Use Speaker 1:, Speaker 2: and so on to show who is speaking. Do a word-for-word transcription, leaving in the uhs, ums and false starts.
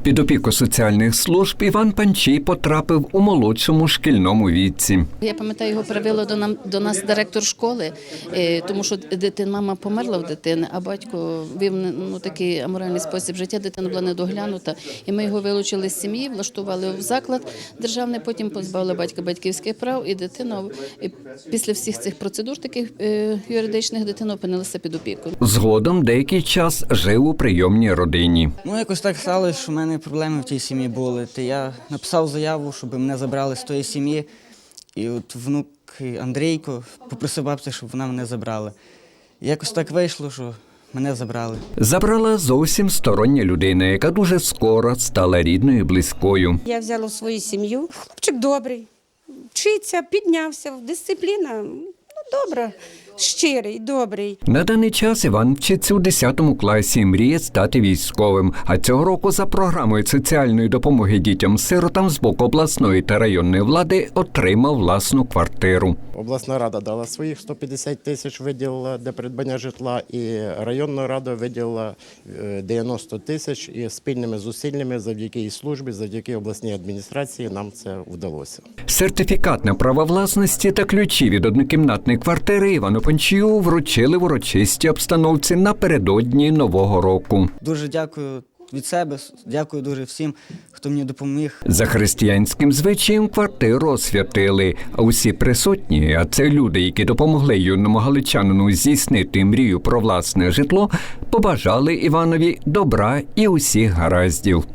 Speaker 1: Під опіку соціальних служб Іван Панчій потрапив у молодшому шкільному віці.
Speaker 2: Я пам'ятаю, його привела до, нам, до нас директор школи, е, тому що дитина, мама померла в дитини, а батько вів ну, такий аморальний спосіб життя, дитина була недоглянута. І ми його вилучили з сім'ї, влаштували в заклад державний, потім позбавили батька батьківських прав, і дитина і після всіх цих процедур таких е, юридичних дитина опинилася під опікою.
Speaker 1: Згодом деякий час жив у прийомній родині.
Speaker 3: Ну, якось так сталося, що в мене проблеми в тій сім'ї були. То я написав заяву, щоб мене забрали з тої сім'ї. І от внук Андрійко попросив бабцю, щоб вона мене забрала. І якось так вийшло, що мене забрали.
Speaker 1: Забрала зовсім стороння людина, яка дуже скоро стала рідною і близькою.
Speaker 4: Я взяла в свою сім'ю. Хлопчик добрий, вчиться, піднявся, дисципліна, ну, добра, щирий, добрий.
Speaker 1: На даний час Іван вчиться у десятому класі і мріє стати військовим. А цього року за програмою соціальної допомоги дітям-сиротам з боку обласної та районної влади отримав власну квартиру.
Speaker 5: Обласна рада дала своїх сто п'ятдесят тисяч, виділила для придбання житла, і районна рада виділила дев'яносто тисяч, і спільними зусиллями завдяки і службі, завдяки обласній адміністрації нам це вдалося.
Speaker 1: Сертифікат на право власності та ключі від однокімнатної квартири Івану Панчію вручили в урочистій обстановці напередодні Нового року.
Speaker 3: Дуже дякую від себе, дякую дуже всім, хто мені допоміг.
Speaker 1: За християнським звичаєм квартиру освятили, а усі присутні, а це люди, які допомогли юному галичанину здійснити мрію про власне житло, побажали Іванові добра і усіх гараздів.